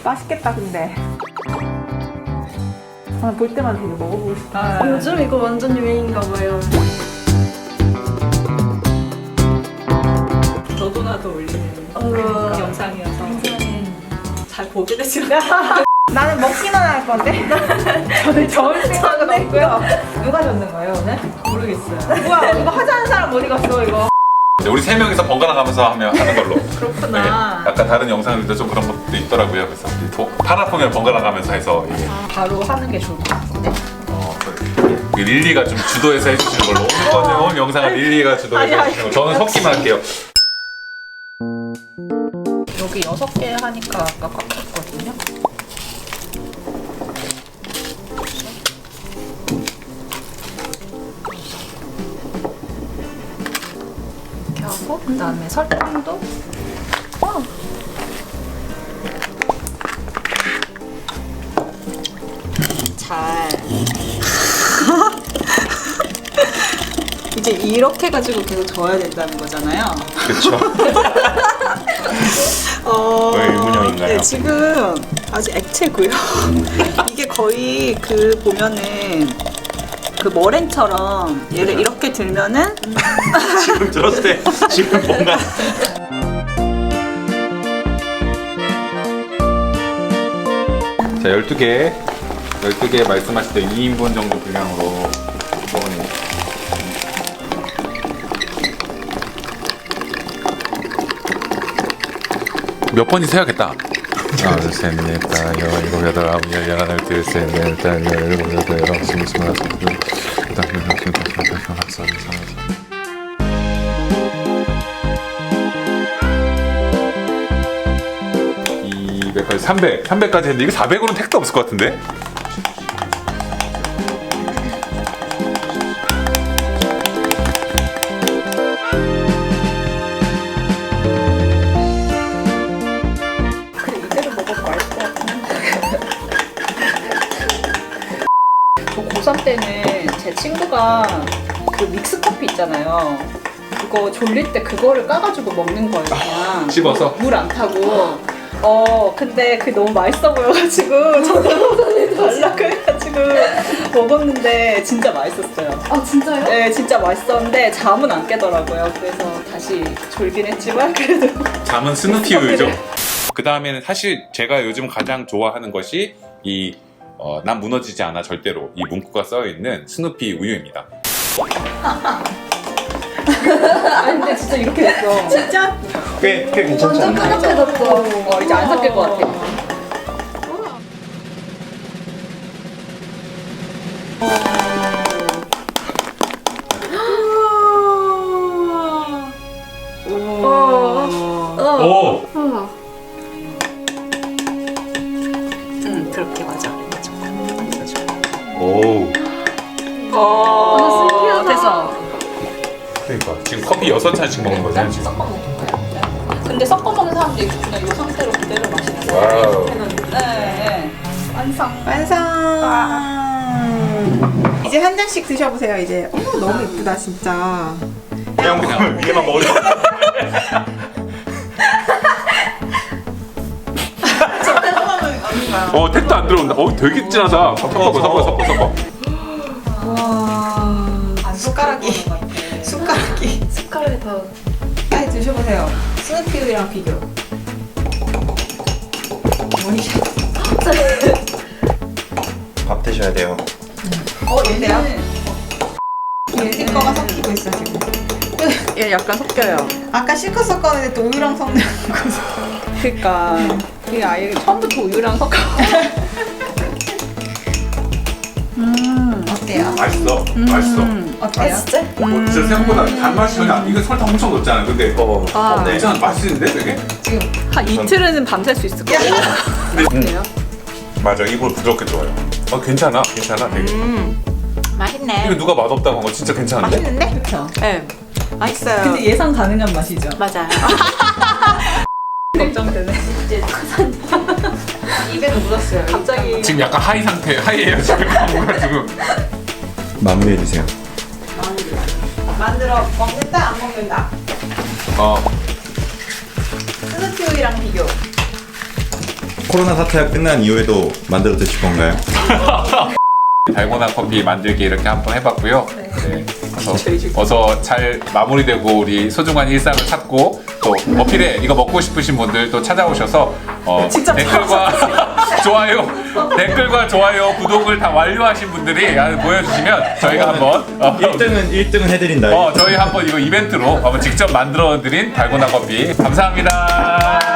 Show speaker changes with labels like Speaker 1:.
Speaker 1: 맛있겠다 근데. 볼 때만 되게 먹어보고 싶다.
Speaker 2: 요즘 이거 완전 유행인가 봐요.
Speaker 3: 너도 나도 올리는 영상이어서 잘 보게 되지
Speaker 1: 나는 먹기만 할 건데. 저는 저을 생각은 없고요. 누가 젓는 거예요 오늘?
Speaker 3: 모르겠어요.
Speaker 1: 뭐야 이거 하자는 사람 어디 갔어 이거?
Speaker 4: 우리 세 명이서 번갈아 가면서 하는 걸로.
Speaker 3: 그렇구나.
Speaker 4: 네, 약간 다른 영상들도 좀 그런 것도 있더라고요. 그래서 파라퐁을 번갈아 가면서 해서 이게
Speaker 3: 바로 하는 게 좋을 것 같은데.
Speaker 4: 릴리가 좀 주도해서 해주시는 걸로. 오늘 영상은 릴리가 주도해서 해주시는 걸로. 저는 섞기만 할게요.
Speaker 3: 여기 6개 하니까 아까 꽉 찼거든요. 이렇게 하고 그다음에 설탕도 잘 이제 이렇게 가지고 계속 저어야 된다는 거잖아요.
Speaker 4: 그렇죠. 왜 의문형인가요?
Speaker 3: 네, 지금 아직 액체고요. 이게 거의 그 보면은 그 머랭처럼 얘를 이렇게 들면은
Speaker 4: 지금 들었을 때 지금 뭔가 자 12개 말씀하실 때 2인분 정도 분량으로 먹으니 몇 번이 세야겠다. 하나, 둘, 셋, 넷, 다섯, 여섯, 일곱, 여덟, 아홉, 열, 열하나, 둘, 셋, 넷, 다섯, 열, 일곱, 여덟, 열아홉, 스물, 스물하나, 스물둘, 스물셋, 스물넷, 스물다섯, 스물여섯, 300까지 했는데 이거 400으로는 택도 없을 것 같은데?
Speaker 3: 저 고3 때는 제 친구가 그 믹스 커피 있잖아요. 그거 졸릴 때 그거를 까가지고 먹는 거예요, 그냥.
Speaker 4: 씹어서?
Speaker 3: 물 안 타고. 근데 그게 너무 맛있어 보여가지고 저도 달라고 해가지고 먹었는데 진짜 맛있었어요.
Speaker 2: 아 진짜요?
Speaker 3: 네, 진짜 맛있었는데 잠은 안 깨더라고요. 그래서 다시 졸긴 했지만 그래도
Speaker 4: 잠은 스누피 우유죠. 그 다음에는 사실 제가 요즘 가장 좋아하는 것이 이 난 무너지지 않아 절대로 이 문구가 써있는 스누피 우유입니다.
Speaker 3: 아니 근데 진짜 이렇게 됐어.
Speaker 1: 진짜?
Speaker 4: 꽤 괜찮지
Speaker 2: 완전
Speaker 4: 않나요?
Speaker 2: 끈적해졌어.
Speaker 3: 이제 안 섞일 것 같아.
Speaker 4: 오!
Speaker 3: 그렇게 맞아.
Speaker 4: 오!
Speaker 2: 신기하다.
Speaker 3: 됐어.
Speaker 4: 그러니까 지금 커피 6잔씩 먹는 거잖아요 지금.
Speaker 3: 근데 섞어 먹는 사람도 있고 그냥 이 상태로 그대로 마시는 거.
Speaker 4: 와우.
Speaker 3: 네. 완성.
Speaker 1: 완성. 이제 한 잔씩 드셔보세요. 이제 너무 이쁘다 진짜.
Speaker 4: 그냥 위에만 먹으려. 택도 안 들어온다. 되게 진하다. 섞어.
Speaker 1: 와 숟가락이
Speaker 2: 색깔이 다.
Speaker 1: 빨리 드셔보세요. 스누피우유랑 비교. 원샷.
Speaker 5: 밥 드셔야 돼요.
Speaker 1: 얘네요? 얘네 거가 섞이고 있어 지금.
Speaker 3: 얘 약간 섞여요.
Speaker 1: 아까 실컷 섞었는데 또 우유랑 섞는 거죠.
Speaker 3: 그러니까 이게 아예 처음부터 우유랑 섞어.
Speaker 1: 어때요?
Speaker 4: 맛있어.
Speaker 1: 어때요?
Speaker 4: 진짜 생각보다 단맛이 전혀 안. 이거 설탕 엄청 넣었잖아. 근데 괜찮아. 맛있는데 되게.
Speaker 3: 한 이틀은 밤샐 수 있을 것 같아요. 어때요?
Speaker 4: 맞아. 이거 부드럽게 좋아요. 괜찮아. 되게.
Speaker 3: 맛있네.
Speaker 4: 이거 누가 맛없다고 한 거 진짜 괜찮은데?
Speaker 1: 맛있는데? 그쵸?
Speaker 3: 네. 맛있어요.
Speaker 1: 근데 예상 가능한 맛이죠.
Speaker 3: 맞아요. 걱정되네. 이제 입에도 묻었어요. 갑자기
Speaker 4: 지금 약간 하이예요 지금 가지고.
Speaker 5: 마무리해 주세요.
Speaker 1: 만들어 먹는다 안 먹는다.
Speaker 4: 어.
Speaker 1: 스누피우유랑 비교.
Speaker 5: 코로나 사태가 끝난 이후에도 만들어 드실 건가요?
Speaker 4: 달고나 커피 만들기 이렇게 한번 해봤고요. 네. 어서 잘 마무리되고 우리 소중한 일상을 찾고 또 어필에 이거 먹고 싶으신 분들 또 찾아오셔서
Speaker 1: 직접
Speaker 4: 댓글과 좋아요, 구독을 다 완료하신 분들이 보여주시면 저희가 한번
Speaker 5: 1등은 해드린다.
Speaker 4: 저희 한번 이거 이벤트로 한번 직접 만들어드린 달고나 커피 감사합니다.